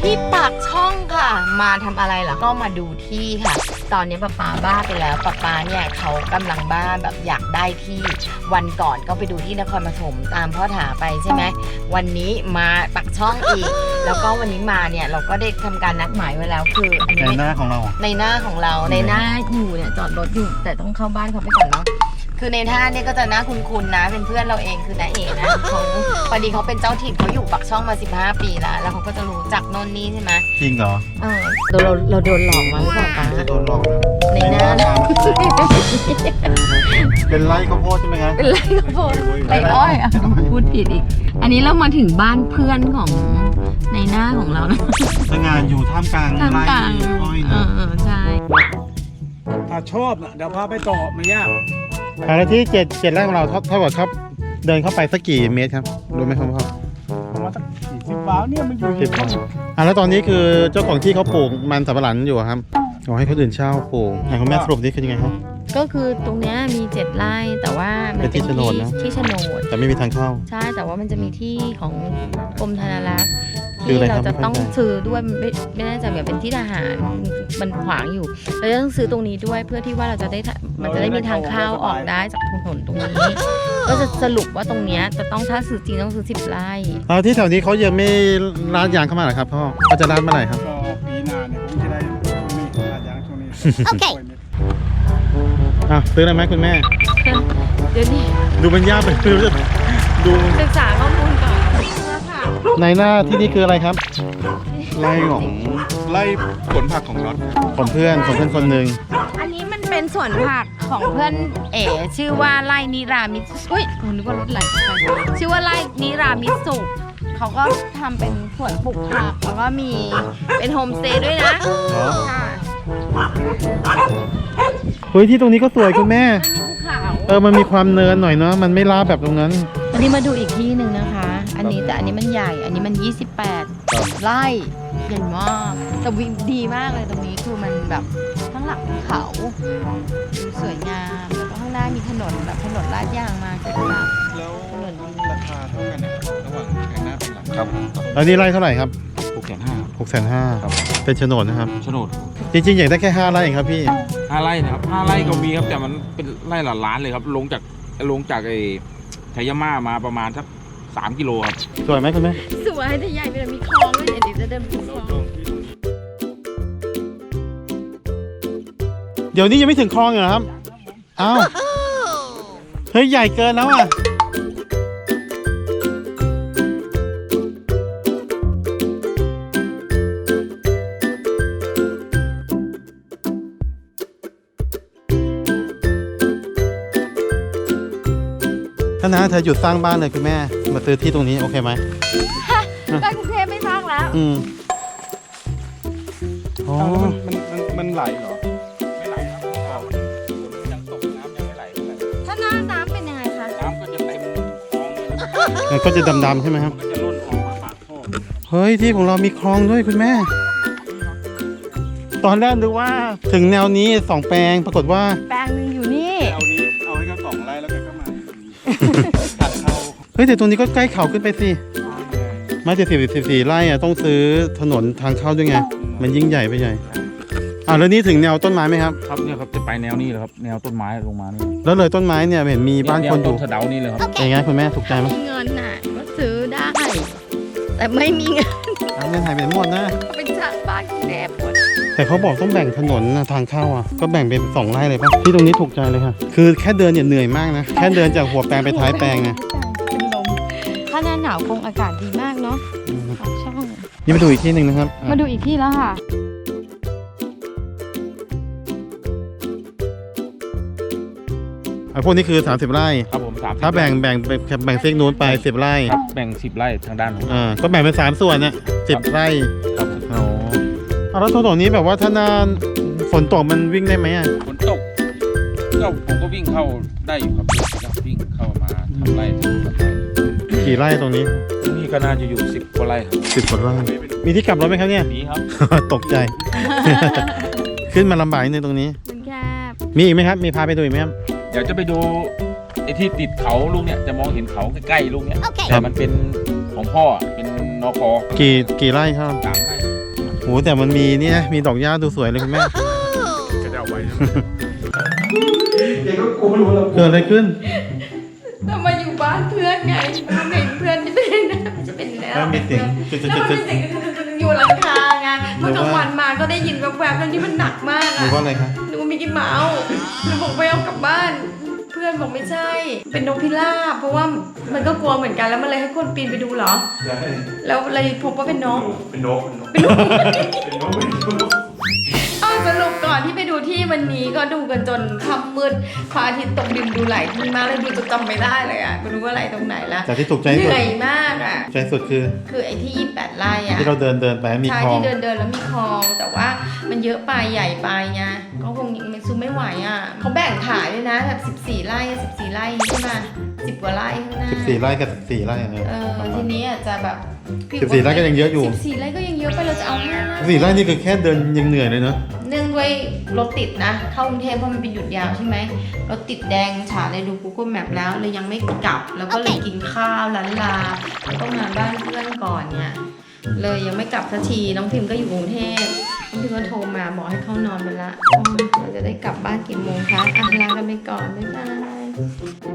ที่ปากช่องค่ะมาทำอะไรเหรอก็มาดูที่ค่ะตอนนี้ป้าบ้าไปแล้วป้าเนี่ยเขากำลังบ้าแบบอยากได้ที่วันก่อนก็ไปดูที่นครปฐมตามพ่อถาไปใช่ไหมวันนี้มาปากช่องอีกแล้วก็วันนี้มาเนี่ยเราก็ได้ทำการนัดหมายไว้แล้วคืออันนี้ในหน้าของเราในหน้าอยู่เนี่ยจอดรถอยู่แต่ต้องเข้าบ้านเขาไปก่อนเนาะคือในท่าเนี่ยก็จะน่าคุ้นๆนะเป็นเพื่อนเราเองคือน้าเอ๋นะเขาพอดีเขาเป็นเจ้าถิ่นเขาอยู่ปักช่องมา15 ปีแล้วเขาก็จะรู้จักโน่นนี่ใช่ไหมจริงเหรอเราโดนหลอกมาหรือเปล่าป้าจะโดนหลอกนะในหน้าเป็นไร่ข้าวโพดใช่ไหมครับเป็นไรก็พอไรอ้อยอ่ะพูดผิดอีกอันนี้เรามาถึงบ้านเพื่อนของในหน้าของเรานะสงานอยู่ท่ามกลางท่ามไร่กลางอ้อยนะใช่ถ้าชอบนะเดี๋ยวพาไปต่อไม่ยากแล้วที่7ไร่ของเราเท่ากับครับเดินเข้าไปสักกี่เมตรครับรู้ไหมครับพ่อประมาณสัก40 บาทเนี่ยมันอยู่ที่ช่องแล้วตอนนี้คือเจ้าของที่เขาปลูกมันสำปะหลังอยู่ครับขอให้คนอื่นเช่าปลูกไหนคุณแม่สรุปนี่คือยังไงครับก็คือตรงเนี้ยมี7 ไร่แต่ว่ามันเป็นที่โฉนดนะที่โฉนดแต่ไม่มีทางเข้าใช่แต่ว่ามันจะมีที่ของกรมธนารักษ์คือที่อะไรครัเราบจะต้องไม่เข้าใจซื้อด้วยไม่แน่ใจเหมือนเป็นที่ทหารมันขวางอยู่เราจะต้องซื้อตรงนี้ด้วยเพื่อที่ว่าเราจะได้มันจะได้มีทางเข้าออกได้จากถนนตรงนี้ ก็จะสรุปว่าตรงเนี้ยจะต้องถ้าซื้อจริงต้องซื้อ10 ไร่ที่แถวนี้เขายังไม่ร้านยางเข้ามาเหรอครับพ่อเขาจะร้านเมื่อไหร่ครับก็ปีหน้าเนี่ยผมจะได้ช่วงนี้อาจารย์ช่วงนี้โอเคซื้ออะไรไหมคุณแม่เดี๋ยวนี้ดูมันยากไปไม่รู้จะดูศึกษาข้อมูลก่อนค่ะในหน้าที่นี่คืออะไรครับไล่ของไล่ผลผักของน็อตของเพื่อนคนหนึ่งอันนี้มันเป็นสวนผักของเพื่อนเอ๋ชื่อว่าไร่นิรามิสุอุ้ยผมนึกว่ารถไหลไปชื่อว่าไร่นิรามิสุเขาก็ทำเป็นสวนปลูกผักแล้วก็มีเป็นโฮมสเตย์ด้วยนะเหรอค่ะเฮ้ยที่ตรงนี้ก็สวยคุณแม่มีภูเขามันมีความเนินหน่อยเนาะมันไม่ราบแบบตรงนั้นอันนี้มาดูอีกที่หนึ่งนะคะ อันนี้แต่อันนี้มันใหญ่ อันนี้มัน28 ไร่ใหญ่มากแต่วิวดีมากเลยตรงนี้คือมันแบบข้างหลังภูเขาดูสวยงามแล้วก็ข้างหน้ามีถนนแบบถนนลาดยางมาจากหลังแล้วถนนดีราคาเท่ากันนะครับระหว่างแผงหน้าเป็นหลังครับแล้วนี่ไร่เท่าไหร่ครับ 650,000 650,000 ครับเป็นโฉนดนะครับโฉนดจริงๆอยากได้แค่5ไร่เองครับพี่ 5 ไร่นะครับ5 ไร่ก็มีครับแต่มันเป็นไร่ละล้านเลยครับลงจากไอ้ชัยมามาประมาณสัก3 กิโลครับสวยไหมคุณแม่สวยแต่ใหญ่เลยมีคลองด้วยเดี๋ยวจะเดินไปคลองเดี๋ยวนี้ยังไม่ถึงคลองเหรอครับอ้าวเฮ้ยใหญ่เกินแล้วอ่ะถ้านะเธอหยุดสร้างบ้านเลยคุณแม่มาซื้อที่ตรงนี้โอเคไหมไปกรุงเทพไม่สร้างแล้วอ๋อมันไหลเหรอไม่ไหลครับยังตกน้ำยังไม่ไหลถ้าหน้าน้ำเป็นยังไงคะน้ำก็จะเต็มคลองเลยมันก็จะดำๆใช่ไหมครับมันก็จะล้นออกมาปากท่อเฮ้ยที่ของเรามีคลองด้วยคุณแม่ ตอนแรกดูว่าถึงแนวนี้2 แปลงปรากฏว่าแปลงหนึ่งอยู่นี่เอาให้เขา2 ไร่แล้วแกก็มาตัดเข้าเฮ้ยแต่ตรงนี้ก็ใกล้เขาขึ้นไปสิไม่จะ14 ไร่อะต้องซื้อถนนทางเข้าด้วยไง มันยิ่งใหญ่ไปใหญ่แล้วนี่ถึงแนวต้นไม้ไหมครับครับเนี่ยครับจะไปแนวนี้เลยครับแนวต้นไม้ลงมานี่แล้วเลยต้นไม้เนี่ยเห็นมีบ้านคนอยู่แวต้นสะเดานี่เลยครับเป็นไงคุณแม่ถูกใจไหมมีเงินน่ะก็ซื้อได้ แต่ไม่มีเงินเงินหายไปหมดนะก็เป็นช่างบ้านกรุงเทพหมดแต่เขาบอกต้องแบ่งถนนนะทางเข้าอ่ะก็แบ่งเป็น2 ไร่เลยป่ะที่ตรงนี้ถูกใจเลยค่ะคือแค่เดินเนี่ยเหนื่อยมากนะแค่เดินจากหัวแปลงไปท้ายแปลงนะเป็นลมถ้าหน้าหนาวคงอากาศดีมากเนาะปากช่องนี่มาดูอีกที่หนึ่งนะครับมาดูอีกที่แล้วค่ะพวกนี้คือ30 ไร่ครับผม30 ถ้าแบ่งเซกนู้นไป10 ไร่ครับแบ่ง10 ไร่ทางด้านนู้นก็แบ่งเป็น3 ส่วนเนี่ย10 ไร่ครับอ๋อแล้วถนนนี้แบบว่าถ้าหน้าฝนตกมันวิ่งได้ไหมอ่ะฝนตกก็ผมก็วิ่งเข้าได้อยู่ครับวิ่งเข้ามาทำไร่ทำไร่กี่ไร่ตรงนี้ตรงนี้ก็น่าจะอยู่10 กว่าไร่ครับ 10 กว่าไร่มีที่กลับรถไหมครับเนี่ยนี้ครับตกใจ ขึ้นมาลำบากนิดนึงตรงนี้มันแคบมีอีกไหมครับมีพาไปดูอีกไหมครับเดี๋ยวจะไปดูไอ้ที่ติดเขาลูกเนี่ยจะมองเห็นเขาใกล้ๆลูกเนี่ยครัแต่บมันเป็นของพ่อเป็นนคกี่ไร่ครับ 3 ไร่โหแต่มันมีเนี่ยมีดอกหญ้าดูสวยเลยคุณแม่ก็จะเอาไว้เด็กก็กูไม่รู้แล้วเกิดอะไรขึ้นเรามาอยู่บ้านเพื่อนไงทำเห็นเพื่อนจะเป็นนะจะเป็นแล้วแล้วมีเสียงจุดแล้วมันเป็นเสียงอยู่หลังคาไงเมื่อกลางวันมาก็ได้ยินแวบๆแล้วนี่มันหนักมากหรืออะว่าอะไรคะนึกว่ามิกกี้เมาส์หนูบอกไปเอากลับบ้าน เพื่อนบอกไม่ใช่ เป็นนกพิราบเพราะว่ามันก็กลัวเหมือนกันแล้วมันเลยให้คนปีนไปดูเหรอ แล้วเลยพบว่าเป็นนกเป็นนกเป็นนกเป็นนกเป็นนกเอาสรุปก่อนที่ไปดูที่วันนี้ก็ดูกันจนค่ำมืดพระอาทิตย์ตกดินดูหลายที่มากเลยดูจนจำไม่ได้เลยอ่ะไม่รู้ว่าอะไรตรงไหนละจากที่ถูกใจเหสุดนื่อยมากอ่ะใจสุดคือคือไอ้ที่28ไร่อ่ะที่เราเดินไปมีใช่คลองที่เดินแล้วมีคลอง แต่ว่ามันเยอะไปใหญ่ไปไงก็คงมันซื้อไม่ไหวอ่ะเขาแบ่งขายด้วยนะแบบ14ไร่14ไร่ใช่ไหม10 กว่าไร่ข้างหน้า 14 ไร่กับ14 ไร่ทีนี้อาจจะแบบ 14 ไร่ก็ยังเยอะอยู่ 14ไร่ก็ยังเยอะไปเราจะเอา5ไร่ 14 ไร่นี่คือแค่เดินยังเหนื่อยเลยเนอะเนื่องด้วยรถติดนะ เข้ากรุงเทพเพราะมันเป็นหยุดยาวใช่ไหมรถติดแดงฉาเลยดู Google Map แล้วเลยยังไม่กลับ แล้วก็เลยกินข้าวล้านลาแล้วก็มาบ้านเพื่อนก่อนเนี่ยเลยยังไม่กลับสักทีน้องพิมก็อยู่กรุงเทพน้องพิมก็โทรมาบอกให้เข้านอนไปละเราจะได้กลับบ้านกี่โมงคะอ่ะลากันไปก่อนบ๊ายบาย